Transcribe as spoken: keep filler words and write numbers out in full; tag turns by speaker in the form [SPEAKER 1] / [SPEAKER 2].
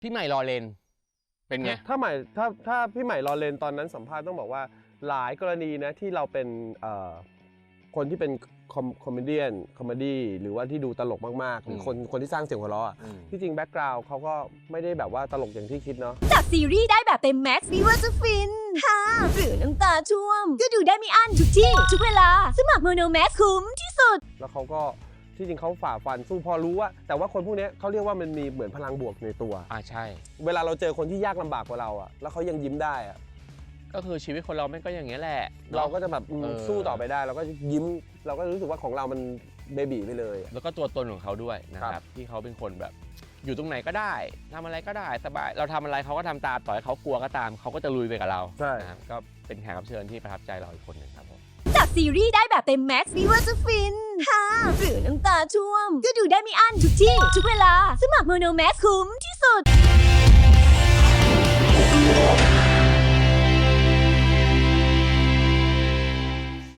[SPEAKER 1] พี่ใหม่รอเลนเป็นไง
[SPEAKER 2] ถ้าใหม่ถ้าถ้าพี่ใหม่รอเลนตอนนั้นสัมภาษณ์ต้องบอกว่าหลายกรณีนะที่เราเป็นคนที่เป็นคอมเมดี้คอมเมดี้หรือว่าที่ดูตลกมากๆหรือคนคนที่สร้างเสียงหัวเราะที่จริงแบ็กกราวด์เขาก็ไม่ได้แบบว่าตลกอย่างที่คิดเนาะ
[SPEAKER 3] จากซีรีส์ได้แบบเต็มแม็กซ์ไม่ว่าจะฟินฮ่าหรือน้ำตาช่วมก็ดูได้ไม่อั้นทุกที่ทุกเวลาสมัครโมโนแม็กซ์คุ้มที่สุด
[SPEAKER 2] แล้วเขาก็ที่จริงเขาฝ่าฟันสู้พอรู้ว่าแต่ว่าคนพวกนี้เขาเรียกว่ามันมีเหมือนพลังบวกในตัว
[SPEAKER 1] อ่าใช่
[SPEAKER 2] เวลาเราเจอคนที่ยากลำบากกว่าเราอะแล้วเขายังยิ้มได้อะ
[SPEAKER 1] ก็คือชีวิตคนเราไม่ก็อย่างเงี้ยแหละ
[SPEAKER 2] เราก็จะแบบสู้ต่อไปได้เราก็ยิ้มเราก็รู้สึกว่าของเรามันเบบีไปเลย
[SPEAKER 1] แล้วก็ตัวตนของเขาด้วยนะครับที่เขาเป็นคนแบบอยู่ตรงไหนก็ได้ทำอะไรก็ได้สบายเราทำอะไรเขาก็ทำตามต่อให้เขากลัวก็ตามเขาก็จะลุยไปกับเรา
[SPEAKER 2] ใช่
[SPEAKER 1] นะครับก็เป็นแขกรับเชิญที่ประทับใจเราอีกคนหนึ่งครับผม
[SPEAKER 3] จากซีรีส์ได้แบบเต็มแม็กซ์ไม่ว่าจะฟินฮ่าหรือน้ำตาช่วมก็ดูได้ไม่อั้นทุกที่ทุกเวลาสมัครโมโนแม็กซ์คุ้มที่สุด